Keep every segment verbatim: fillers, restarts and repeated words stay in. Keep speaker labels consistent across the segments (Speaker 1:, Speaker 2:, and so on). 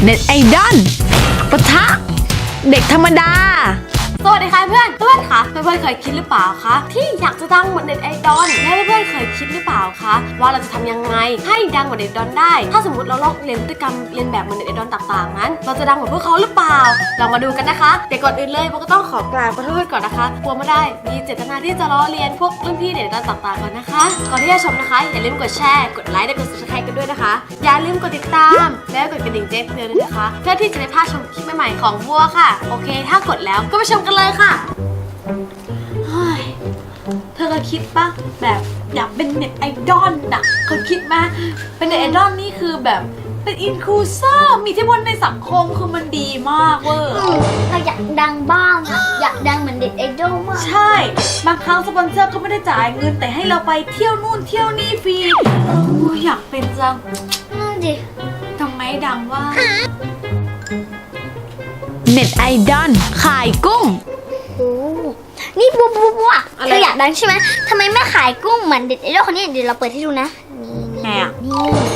Speaker 1: เน็ตไอดอลปะทะเด็กธรรมดา
Speaker 2: สวัสดีค่ะเพื่อนเพื่อนคะเพื่อนๆเคยคิดหรือเปล่าคะที่อยากจะดังเหมือนเน็ตไอดอลและเพื่อนๆเคยคิดหรือเปล่าคะว่าเราจะทำยังไงให้ดังเหมือนเน็ตไอดอลได้ถ้าสมมติเราลองเรียนพฤติกรรมเรียนแบบเหมือนเน็ตไอดอลต่างๆนั้นเราจะดังเหมือนพวกเขาหรือเปล่าลองมาดูกันนะคะแต่ก่อนอื่นเลยโบก็ต้องขอกราบขอโทษก่อนนะคะกลัวไม่ได้มีเจตนาที่จะล้อเลียนพวกรุ่นพี่เน็ตไอดอลต่างๆก่อนนะคะก่อนที่จะชมนะคะอย่าลืมกดแชร์กดไลค์และกด ซับสไครบ์ กันด้วยนะคะอย่าลืมกดติดตามและกดกระดิ่งแจ้งเตือนด้วยนะคะเพื่อที่จะได้พลาดชมคลิปใหม่ๆของบัวค่ะโอเคถ้ากดแล้วก็ไปชมกันเลยค่ะเธอเคยคิดปะแบบอยากเป็นเน็ตไอดอลนะเคยคิดไหมเป็นเน็ตไอดอลนี่คือแบบเป็นอินคลูเซอร์มีอิทธิพลในสังคมคือมันดีมากเวอร์
Speaker 3: เราอยากดังบ้างอะอยากดังเหมือนเด็กไอดอลมาก
Speaker 2: ใช่บางครั้งสปอนเซอร์ก็ไม่ได้จ่ายเงินแต่ให้เราไปเที่ยวนู่นเที่ยวนี่ฟรีโอ้อยากเป็นจัง
Speaker 3: นั่นดิ
Speaker 2: ทำไมดังว่า
Speaker 1: เน็ตไอดอลขายกุ้ง
Speaker 3: โอ้นี่บัวบัวบัวเธออยากดังใช่ไหมทำไมไม่ขายกุ้งเหมือนเด็กไอดอลคนนี้เดี๋ยวเราเปิดให้ดูนะ
Speaker 2: นี่ไงอ่ะ
Speaker 3: นี่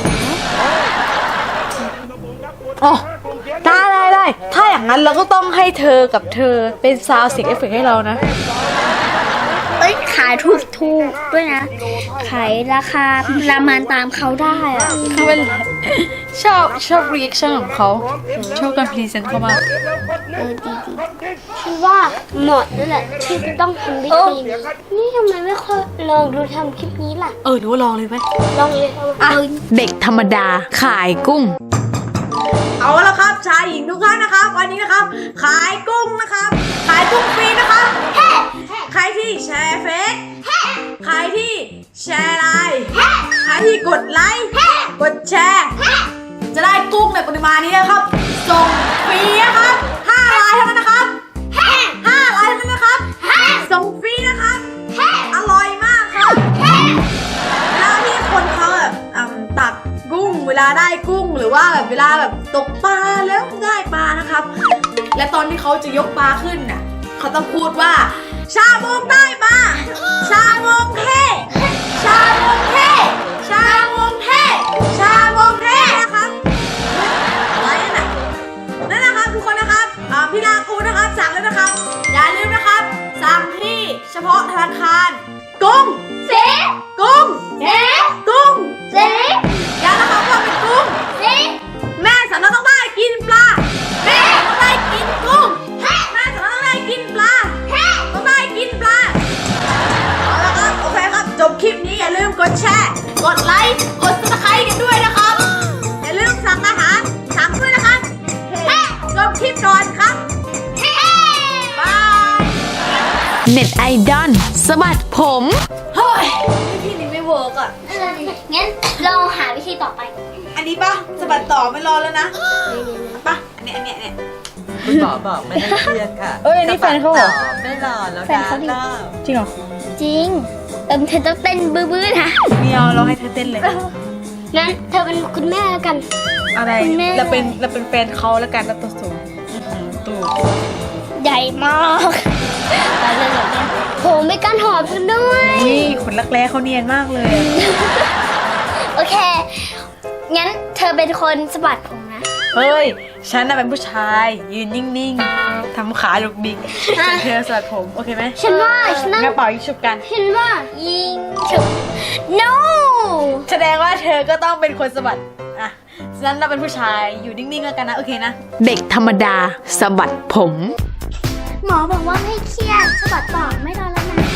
Speaker 2: อ๋อได้ได้ได้ถ้าอย่างนั้นเราก็ต้องให้เธอกับเธอเป็นซาวด์เสียงเอฟเฟกต์ให้เรานะ
Speaker 3: เอ้ยขายถูกถูกด้วยนะขายราคาประมาณตามเขาได้อะ
Speaker 2: คือเป็นชอบชอบรีแอคชั่นของเขาชอบการพรีเซนต์เขามาก
Speaker 3: เออดีดีคิดว่าเหมาะนั่นแหละที่จะต้องทำวิธีนี่ทำไมไม่ค่อยลองดูทำคลิปนี้ล่ะ
Speaker 2: เออหนูลองเลยไหม
Speaker 3: ลองเลย
Speaker 1: อ่ะเด็กธรรมดาขายกุ้ง
Speaker 2: เอาละครับชายหญิงทุกท่านนะครับวันนี้นะครับขายกุ้งนะครับขายกุ้งฟรีนะครับใครที่แชร์เฟซใครที่แชร์ไลน์ใครที่กดไลค์กดแชร์จะได้กุ้งในปริมาณนี้นะครับส่งฟรีนะครับห้าไลน์เท่านั้นนะครับห้าไลน์เท่านั้นนะครับส่งฟรีนะครับอร่อยมากครับเวลาที่คนเขาแบบตักกุ้งเวลาได้กุ้งหรือว่าแบบเวลาแบบตกปลาแล้วได้ปลานะครับและตอนที่เขาจะยกปลาขึ้นน่ะเขาต้องพูดว่าชาโมงได้ปลาชาโมงเทชาโมงเทชาโมงเทชาโมงเทนะครับอะไรน่ะนั่นนะครับทุกคนนะครับพี่ลาคูนะครับสั่งแล้วนะครับอย่าลืมนะครับสั่งที่เฉพาะธนาคารกุ้ง
Speaker 3: เซ็ก
Speaker 2: กุ้ง
Speaker 3: เซ็ก
Speaker 2: กุ้ง
Speaker 3: เซ็ก
Speaker 2: อย่านะครับว่าเป็นกุ้ง
Speaker 3: เซ็ก
Speaker 2: แม่สันต้องได้กินปลาแม่ต้องได้กินกุ้งแม่สันต้องได้กินปลาต้องได้กินปลาเอาละครับโอเคครับจบคลิปนี้อย่าลืมกดแชร์กดไลค์กด ซับสไครบ์ กันด้วยนะครับอย่าลืมสั่งอาหารสั่งด้วยนะครับจบคลิปก่อนครับบาย
Speaker 1: เน็ตไอดอลสะบัดผม
Speaker 2: เฮ้ยพี่นี่ไม่เวิร์กอ่ะ
Speaker 3: งั้นลองหาวิธีต่อไป
Speaker 2: อันนี้ป่ะสะบัดต่อไม่รอแล้วนะป่ะอันนี้อันนี้เนี่ย
Speaker 4: คุณหมอบอกไม่ได้เครียดค่ะ
Speaker 1: เอ้ยนี่แฟนเขาเหรอ
Speaker 4: ไม่รอแล้วนะ
Speaker 1: จริงเหรอ
Speaker 3: จริงเอิมเธอต้องเต้นบื้อๆนะ
Speaker 1: ไม่เอาเราให้เธอเต้นเลย
Speaker 3: งั้นเธอเป็นคุณแม่แล้วกัน
Speaker 1: อะไรเราเป็นเราเป็นแฟนเขาแล้วกันเราตัวสูงตัว
Speaker 3: ใหญ่มากตายเลยเหรอเนี่ยโหไม่กันหอมกันด้วย
Speaker 1: นี่ขนรักแร้เขาเนียนมากเลย
Speaker 3: โอเคงั้นเธอเป็นคนสะบัดผมนะ
Speaker 1: เฮ้ยฉันน่ะเป็นผู้ชายยืนนิ่งๆทำขาลุกดิ๊กเธอสะบัดผมโอเคไหม
Speaker 3: ฉันว่าฉัน
Speaker 1: กระเป๋ายิงฉุบกัน
Speaker 3: ฉันว่ายิงฉุบ no
Speaker 1: แสดงว่าเธอก็ต้องเป็นคนสะบัดอ่ะฉะนั้นเราเป็นผู้ชายอยู่นิ่งๆแล้วกันนะโอเคนะเด็กธรรมดาสะบัดผม
Speaker 3: หมอบอกว่าไม่เครียดสะบัดต่อไม่รอแล้วนะ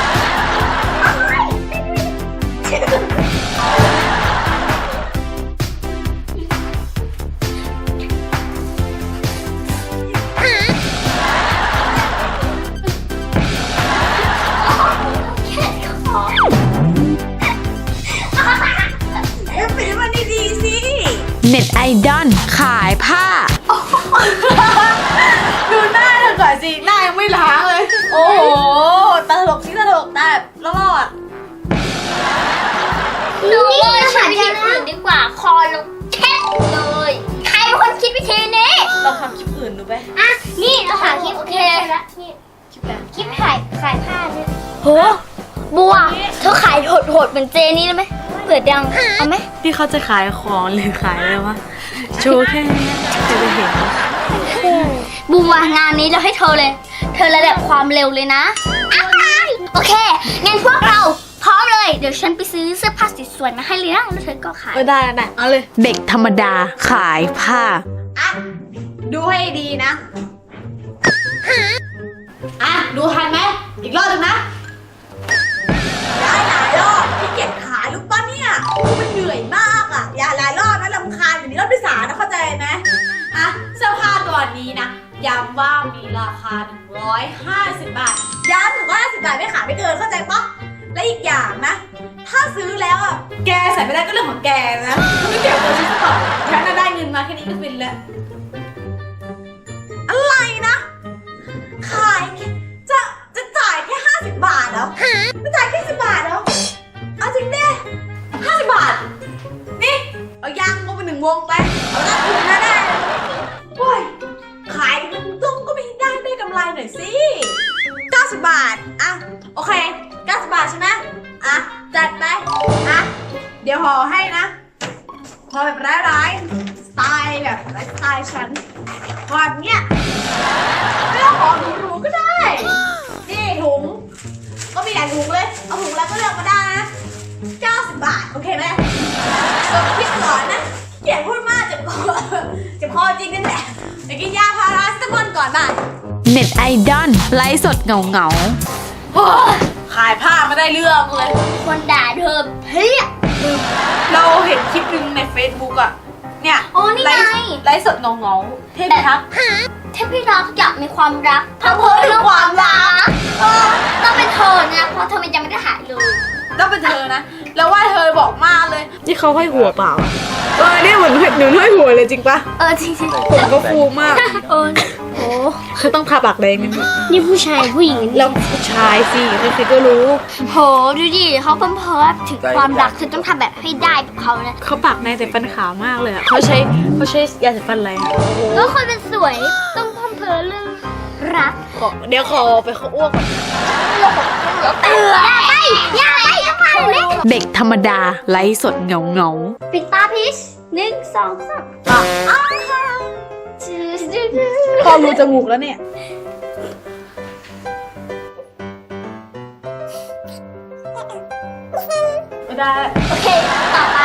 Speaker 1: เน็ตไอดอลขายผ้า
Speaker 2: ดูหน้าเธอก่อนสิหน้ายังไม่ล้างเลยโอ้โหตลกที่ตลกแต่รอด
Speaker 3: หนูว่าใช้วิธีอื่นดีกว่าคอลงเช็ดเลยใครเป็นคนคิดวิธีนี้
Speaker 2: เราทำคลิปอื่นดูไป
Speaker 3: อ่ะนี่เราหาคลิปโอเคแล้วนี่คลิปอะไรคลิปขายขายผ้าเนี่ยโหบัวเธอขายโหดๆเหมือนเจนี่ได้ไหมเปิดยังเอาไหม
Speaker 1: ที่เขาจะขายของหรือขายอะไรวะโชว์แค่นี้จะได้เห็น
Speaker 3: บูมว่างานนี้เราให้เธอเลย เธอระดับความเร็วเลยนะอ้ายโอเคงั้นพวกเราพร้อมเลยเดี๋ยวฉันไปซื้อเสื้อผ้าสวยๆมาให้เลยนะแล้วเธอก็ขาย
Speaker 1: เออได้ได้เอาเลย เด็กธรรมดาขายผ้า
Speaker 2: อ่ะ ดูให้ดีนะ อ่ะ ดูทันไหม อีกรอบหนึ่งนะ ได้หลายรอบที่เกียจขายลูกป้าเนี่ยคือมันเหนื่อยมากอ่ะ อย่าหลายรอบนะรำคาญอยู่นี้รอบที่สามนะเข้าใจไหมอ่ะ เสื้อผ้าตัวนี้นะ ย้ำว่ามีราคาหนึ่งร้อยห้าสิบบาท ย้ำหนึ่งร้อยห้าสิบบาทไม่ขายไม่เกินเข้าใจปะและอีกอย่างนะ ถ้าซื้อแล้วอ่ะ แกใส่ไม่ได้ก็เรื่องของแกนะไม่เกี่ยวกับฉันก่อนฉันน่ะได้เงินมาแค่นี้ก็ฟินแล้ว อะไรนะ ขายจะจะจ่ายแค่ห้าสิบบาทเหรอจะจ่ายแค่สิบบาทเหรอเอาจริงดิห้าสิบบาท นี่เอายางงงไปหนึ่งวงไปเอาหน้าคืนนะได้โอ้ยขายมันต้องก็ไม่ได้ได้กำไรหน่อยสิเก้าสิบบาทอ่ะโอเคเก้าสิบบาทใช่ไหมอ่ะจัดไปอ่ะเดี๋ยวห่อให้นะห่อแบบร้ายๆสไตล์แบบไลฟ์สไตล์ฉันห่อแบบเนี้ยไม่ต้องห่อหรูๆก็ได้นี่ถุงก็มีหลายถุงเลยเอาถุงแล้วก็เลือกมาได้นะเก้าสิบบาทโอเคไหมกดคิดก่อนนะเกลียดพูดมากเจ็บคอเจ็บคอจริงนั่นแหละไปกินยาพาราเซตามอลก่อนบ่าย
Speaker 1: เน็ตไอดอลไลฟ์สดเงาเงา
Speaker 2: โอ้ยขายผ้าไม่ได้เรื่องเลย
Speaker 3: คนด่าเธอเพี้ย
Speaker 2: เราเห็นคลิปหนึ่งใน Facebook อะเนี่ย
Speaker 3: โอ้นี่ไง
Speaker 2: ลฟ์ไลฟ์สดเงาเงาๆเทพทักษ์
Speaker 3: เทพพิทักษ์อยากมีความรักถ้าเพ้อเรื่องความรักเออต้องเป็นเธอนะเพราะเธอมันยังไม่ได้หายเลย
Speaker 2: ต้องเป็นเธอนะ แล้วว่าเธอบอกมากเลย
Speaker 1: ที่เขาให้หัวเปล่า
Speaker 2: เออเนี่ยเหมือนหนูห้อยหัวเลยจริงปะ
Speaker 3: เออจริง
Speaker 2: ผมก็ฟูมาก
Speaker 3: ๆเออโอ้
Speaker 1: เขาต้องทาปากแดงนิดนึง
Speaker 3: นี่ผู้ชายผู้หญิง
Speaker 1: แล้วผู้ชายสิใครๆก็รู้
Speaker 3: โหดูดิเขาเพิ่มเพ้อถึงความรักเธอต้องทำแบบให้ได้แบบเขานะ
Speaker 1: เขาปากแดงแต่ฟันขาวมากเลยอะเขาใช้เขาใช้ยาสีฟันอะไรอะ
Speaker 3: ก็คนเป็นสวยต้องเพิ่มเพ้อเรื่องรัก
Speaker 1: ขอเดี๋ยวขอไปเขาอ้วกก่อน
Speaker 3: เออไปอย่าไปอย่าไปเล่น
Speaker 1: เด็กธรรมดาไลฟ์สดเงาเงา
Speaker 3: ปิดตาพีชหนึ่งสองสาม
Speaker 2: อ่ะ
Speaker 3: อ้าวจืดจืดจืด
Speaker 2: พอรูจมูกแล้วเนี่ย ไม่ได้
Speaker 3: โอเคต่อไป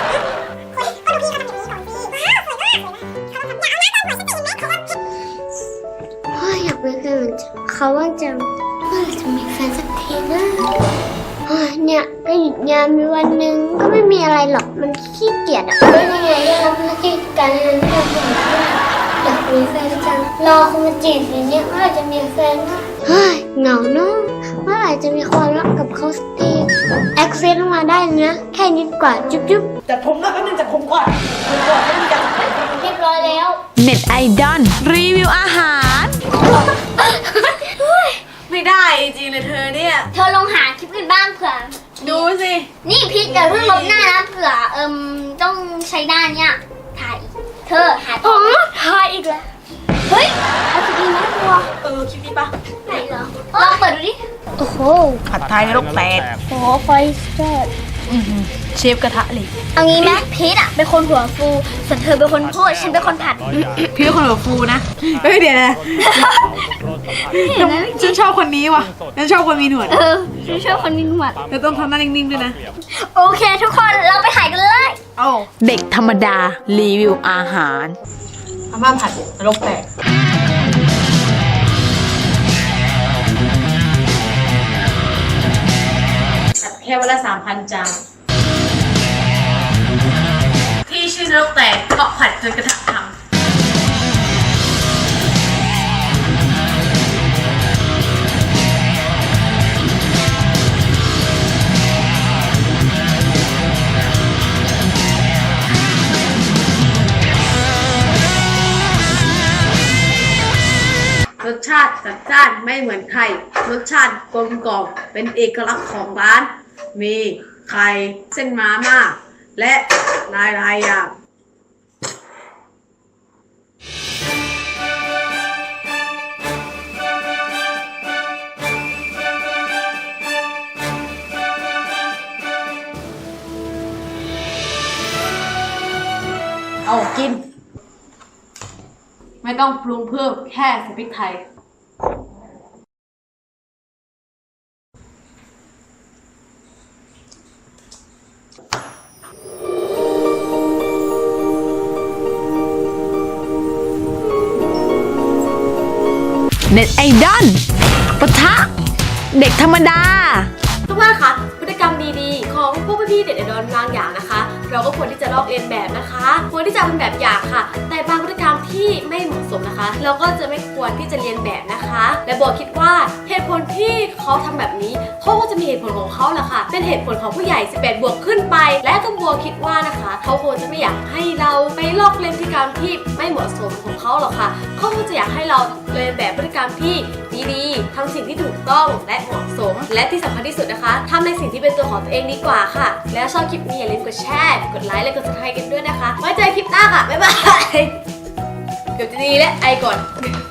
Speaker 3: เฮ้ยอยากมีแฟนเขาว่างจังเมื่อไหร่จะมีแฟนสักทีนะเฮ้ยเนี่ยก็หยุดงานมีวันหนึ่งก็ไม่มีอะไรหรอกมันขี้เกียจอ่ะไม่ยังไงทำหน้าที่การงานที่เราทำอยากมีแฟนจังรอคนมาจีบอย่างเนี้ยเมื่อไหร่จะมีแฟนนะเฮ้ยเหงาเนาะเมื่อไหร่จะมีความรักกับเขาสักทีแอคเซนต์มาได้นะแค่นิดกว่าจุ๊บจุ๊บ
Speaker 2: จัดผมนะแป๊บนึงจัดผมก่อนผมก่อนไม่มีการ
Speaker 3: เรียบร้อยแล้ว
Speaker 1: ๆเน็ตไอดอลรีวิวอาหาร
Speaker 2: ไม่ได้จริงๆเลยเธอเนี่ย
Speaker 3: เธอลองหาคลิปอื่นบ้างเผื่อ
Speaker 2: ดูสิ
Speaker 3: นี่พีทอย่าเพิ่งลบหน้านะเผื่อเอิมต้องใช้หน้าเนี่ยถ่ายอีกเธอหาต่อถ่ายอีกแล้วเฮ้ยเอาคลิปนี้ไหมตัว
Speaker 2: เออคลิปนี้ปะ
Speaker 3: ไหนเหรอลองเปิดดูดิโอ้โห
Speaker 1: ผัดไทยนรกแตก
Speaker 3: โอ้ไฟแซ่บ
Speaker 1: เชฟกระทะเหล็ก
Speaker 3: เอางี้ไหมพีทอะเป็นคนหัวฟูส่วนเธอเป็นคนพูดฉันเป็นคนผัด
Speaker 1: พี่เป็นคนหัวฟูนะเฮ้ยเดี๋ยวนะ
Speaker 3: เห็นไหม
Speaker 1: ฉันชอบคนนี้ว่ะฉันชอบคนมีหนวด
Speaker 3: เออฉันชอบคนมีหนวด
Speaker 1: แล้วต้องทำหน้านิ่งๆด้วยนะ
Speaker 3: โอเคทุกคนเราไปถ่ายกันเลย
Speaker 1: โอ้เด็กธรรมดารีวิวอาหาร
Speaker 2: อาม่าผัดนรกแตกแค่วันละสามพันจานที่ชื่อนรกแตกเพราะผัดจนกระทะพังรสชาติจัดจ้านไม่เหมือนใคร รสชาติกลมกล่อมเป็นเอกลักษณ์ของร้าน มีไข่เส้นมาม่าและหลายหลายๆอย่าง
Speaker 1: กิน ไม่ต้องปรุงเพิ่มแค่ใส่พริกไทย เน็ตไอดอลปะทะเด็กธรรมดา
Speaker 5: ทุกท่านคะพฤติกรรมดีๆ ของพวกพี่ๆเด็กๆดอนบางอย่างนะคะ เราก็ควรที่จะลอกเลียนแบบนะคะควรที่จะเป็นแบบอย่างค่ะ แต่บางพฤติกรรมที่ไม่เหมาะสมนะคะ เราก็จะไม่ควรที่จะเรียนแบบนะคะ และบัวคิดว่าเหตุผลที่เขาทำแบบนี้เขาก็จะมีเหตุผลของเขาแหละค่ะเป็นเหตุผลของผู้ใหญ่สิบแปดบวกขึ้นไป และก็บัวคิดว่านะคะเขาคงจะไม่อยากให้เราไปลอกเลียนพฤติกรรมที่ไม่เหมาะสมของเขาหรอกค่ะเขาคงจะอยากให้เราเรียนแบบพฤติกรรมที่ดีๆทำสิ่งที่ถูกต้องและเหมาะสม และที่สำคัญที่สุดนะคะทำในสิ่งที่เป็นตัวของตัวเองดีกว่าค่ะ แล้วชอบคลิปนี้อย่าลืมกดแชร์กดไลค์และกดซับสไครต์กันด้วยนะคะไว้เจอคลิปหน้าค่ะบ๊ายบายเกือบจะดีแล้วไอก่อน